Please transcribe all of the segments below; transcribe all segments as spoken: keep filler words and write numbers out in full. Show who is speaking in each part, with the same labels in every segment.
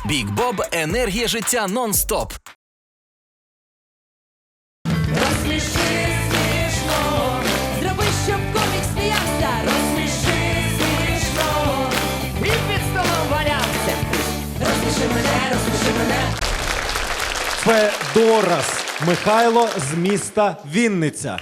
Speaker 1: Бік Боб – енергія життя нон-стоп.
Speaker 2: Розсміши смішно, зроби, щоб комік сміявся. Розсміши смішно, і під столом валявся. Розсміши мене, розсміши мене.
Speaker 3: Федорас Михайло з міста Вінниця.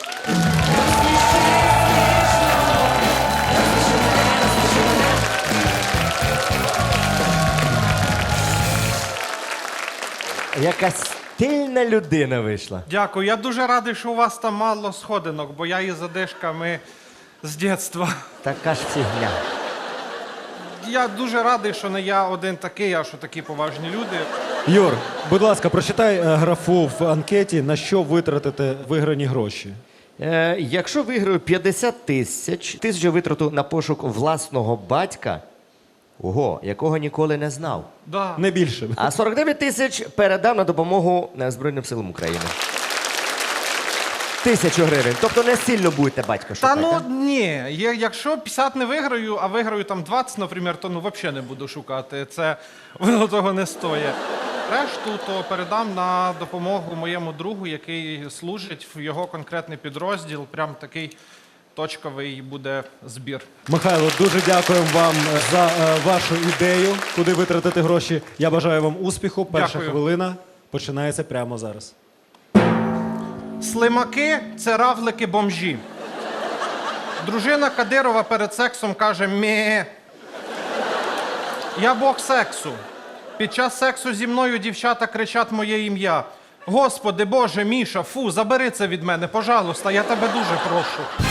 Speaker 4: Якась стильна людина вийшла.
Speaker 5: Дякую. Я дуже радий, що у вас там мало сходинок, бо я із задишками з дитинства.
Speaker 4: Така ж фігня.
Speaker 5: Я дуже радий, що не я один такий, а що такі поважні люди.
Speaker 3: Юр, будь ласка, прочитай е, графу в анкеті, на що витратите виграні гроші.
Speaker 4: Е, якщо виграю п'ятдесят тисяч, тисячу витрату на пошук власного батька, ого, якого ніколи не знав.
Speaker 5: Да.
Speaker 3: Не більше.
Speaker 4: А сорок дев'ять тисяч передам на допомогу е, Збройним силам України. Тисячу гривень. Тобто не сильно будете батька
Speaker 5: Та
Speaker 4: шукати.
Speaker 5: ну
Speaker 4: а?
Speaker 5: ні, Є- якщо п'ятдесят не виграю, а виграю там двадцять, наприклад, то ну взагалі не буду шукати. Це воно того не стоїть. Решту то передам на допомогу моєму другу, який служить в його конкретний підрозділ. Прям такий точковий буде збір.
Speaker 3: Михайло, дуже дякуємо вам за е, вашу ідею, куди витратити гроші. Я бажаю вам успіху. Перша
Speaker 5: Дякую.
Speaker 3: хвилина починається прямо зараз.
Speaker 5: Слимаки – це равлики-бомжі. Дружина Кадирова перед сексом каже «Мє». Я бог сексу. Під час сексу зі мною дівчата кричать моє ім'я. Господи, Боже, Міша, фу, забери це від мене, пожалуйста, я тебе дуже прошу.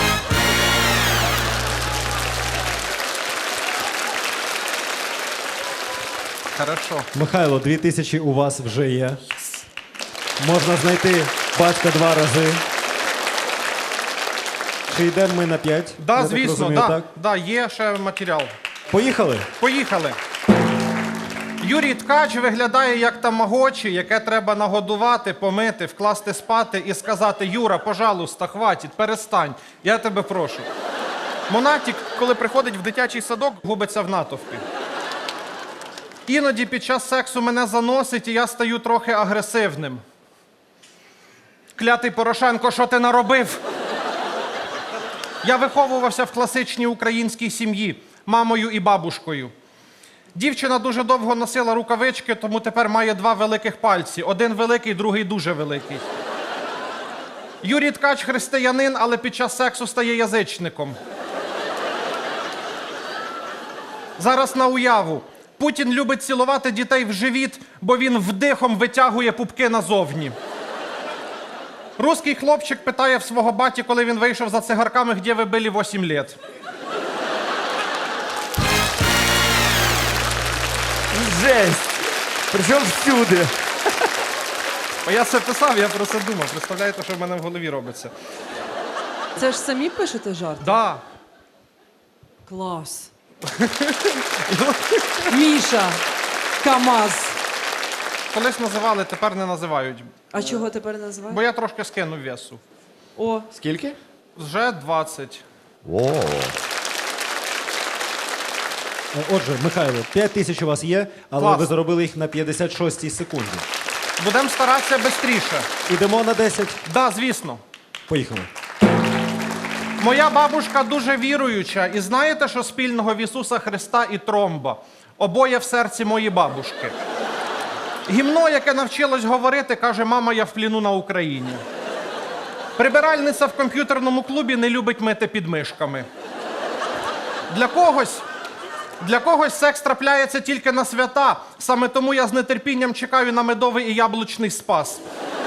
Speaker 5: Хорошо.
Speaker 3: Михайло, дві тисячі у вас вже є. Можна знайти батька два рази. Чи йдемо ми на п'ять?
Speaker 5: Да,
Speaker 3: Я так
Speaker 5: звісно,
Speaker 3: розумію,
Speaker 5: да,
Speaker 3: так?
Speaker 5: да, є ще матеріал.
Speaker 3: Поїхали?
Speaker 5: Поїхали. Юрій Ткач виглядає як тамагочі, яке треба нагодувати, помити, вкласти спати і сказати: Юра, пожалуйста, хватить, перестань, я тебе прошу. Монатік, коли приходить в дитячий садок, губиться в натовпі. Іноді під час сексу мене заносить, і я стаю трохи агресивним. Клятий Порошенко, що ти наробив? Я виховувався в класичній українській сім'ї мамою і бабушкою. Дівчина дуже довго носила рукавички, тому тепер має два великих пальці. Один великий, другий дуже великий. Юрій Ткач християнин, але під час сексу стає язичником. Зараз на уяву. Путін любить цілувати дітей в живіт, бо він вдихом витягує пупки назовні. Руський хлопчик питає в свого баті, коли він вийшов за цигарками, де ви були вісім років.
Speaker 4: Жесть! Причому всюди.
Speaker 5: А я це писав, я про це думав. Представляєте, що в мене в голові робиться?
Speaker 2: Це ж самі пишете жарт?
Speaker 5: Да.
Speaker 2: Клас. Міша, КамАЗ.
Speaker 5: Колись називали, тепер не називають.
Speaker 2: А чого тепер називають?
Speaker 5: Бо я трошки скинув весу.
Speaker 2: О,
Speaker 4: Скільки?
Speaker 5: Вже двадцять.
Speaker 4: О.
Speaker 3: Е, Отже, Михайло, п'ять тисяч у вас є, але
Speaker 5: Клас.
Speaker 3: ви заробили їх на п'ятдесят шостій секунді.
Speaker 5: Будемо старатися швидше.
Speaker 3: Ідемо на десять.
Speaker 5: Да, звісно.
Speaker 3: Поїхали.
Speaker 5: Моя бабушка дуже віруюча. І знаєте, що спільного в Ісуса Христа і тромба? Обоє в серці моєї бабушки. Гімно, яке навчилось говорити, каже: мама, я в пліну на Україні. Прибиральниця в комп'ютерному клубі не любить мити підмишками. Для когось, для когось секс трапляється тільки на свята. Саме тому я з нетерпінням чекаю на медовий і яблучний спас.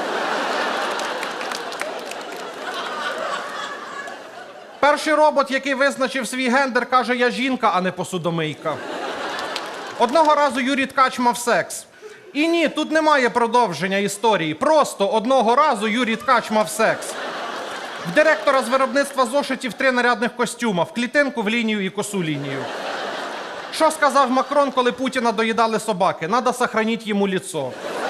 Speaker 5: Перший робот, який визначив свій гендер, каже: я жінка, а не посудомийка. Одного разу Юрій Ткач мав секс. І ні, тут немає продовження історії. Просто одного разу Юрій Ткач мав секс. В директора з виробництва зошитів три нарядних костюма. В клітинку, в лінію і косу лінію. Що сказав Макрон, коли Путіна доїдали собаки? Надо сохранить йому лицо.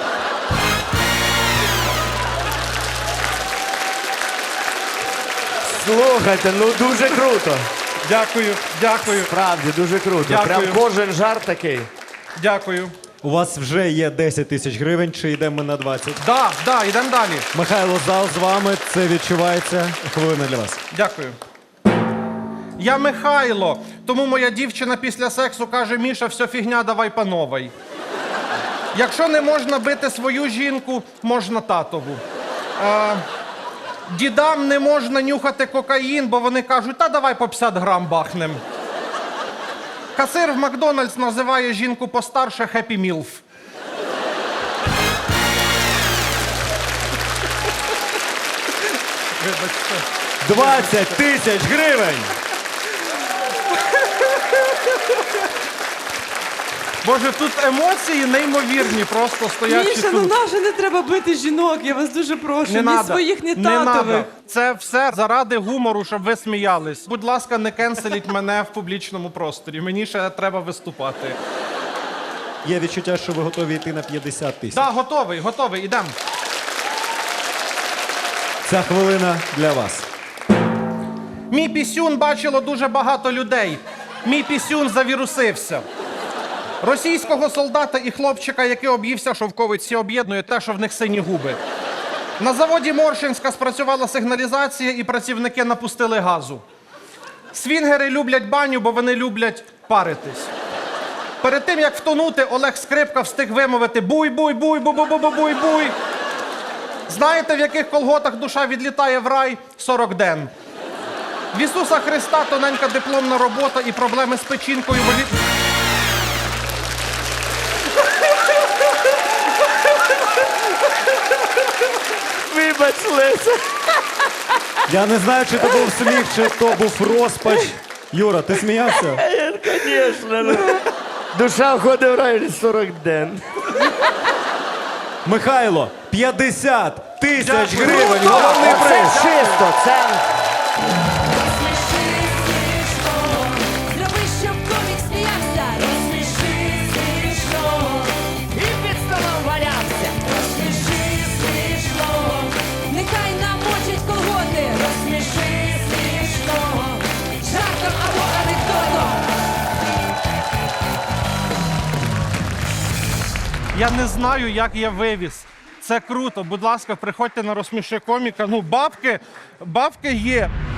Speaker 4: Слухайте, ну дуже круто.
Speaker 5: Дякую, дякую,
Speaker 4: Справді, дуже круто.
Speaker 5: Дякую.
Speaker 4: Прям кожен жарт такий.
Speaker 5: дякую.
Speaker 3: У вас вже є десять тисяч гривень, чи йдемо ми на двадцять?
Speaker 5: Да, да, йдемо далі.
Speaker 3: Михайло, зал з вами, це відчувається. Хвилина для вас.
Speaker 5: Дякую. Я Михайло, тому моя дівчина після сексу каже: Міша, все фігня, давай по новій. Якщо не можна бити свою жінку, можна татову. Е, дідам не можна нюхати кокаїн, бо вони кажуть: та давай по п'ятдесят грам бахнем. Касир в Макдональдс називає жінку постарше «Хеппі Мілф». Вибачте.
Speaker 3: двадцять тисяч гривень!
Speaker 5: Боже, тут емоції неймовірні, просто стоячи
Speaker 2: Міша,
Speaker 5: тут.
Speaker 2: ну наже не треба бити жінок, я вас дуже прошу.
Speaker 5: Не
Speaker 2: ні
Speaker 5: надо.
Speaker 2: своїх, ні
Speaker 5: Не
Speaker 2: татових.
Speaker 5: надо. Це все заради гумору, щоб ви сміялись. Будь ласка, не кенселіть мене в публічному просторі. Мені ще треба виступати.
Speaker 3: Є відчуття, що ви готові йти на п'ятдесят тисяч.
Speaker 5: Да, готовий, готовий, ідемо.
Speaker 3: Ця хвилина для вас.
Speaker 5: Мій пісюн бачило дуже багато людей. Мій пісюн завірусився. Російського солдата і хлопчика, який об'ївся шовковиці, об'єднує те, що в них сині губи. На заводі Моршинська спрацювала сигналізація, і працівники напустили газу. Свінгери люблять баню, бо вони люблять паритись. Перед тим, як втонути, Олег Скрипка встиг вимовити «буй-буй-буй, бу-бу-бу-буй-буй». Знаєте, в яких колготах душа відлітає в рай? сорок ден. В Ісуса Христа тоненька дипломна робота і проблеми з печінкою волі...
Speaker 4: Вибач, Леся.
Speaker 3: Я не знаю, чи то був сміх, чи то був розпач. Юра, ти сміявся?
Speaker 4: Звісно. Душа входить в рай сорок ден.
Speaker 3: Михайло, п'ятдесят тисяч
Speaker 5: Дякую.
Speaker 3: гривень,
Speaker 5: Круто!
Speaker 3: головний
Speaker 4: Це
Speaker 3: приз.
Speaker 4: чисто, це...
Speaker 6: Розсміши смішно, зроби, щоб комік сміявся. Розсміши смішно, і під столом валявся. Розсміши смішно, нехай намочить колготи. Розсміши смішно, жартом або анекдотом.
Speaker 5: Я не знаю, як я вивіз. Це круто. Будь ласка, приходьте на «Розсміши коміка». Ну, бабки, бабки є.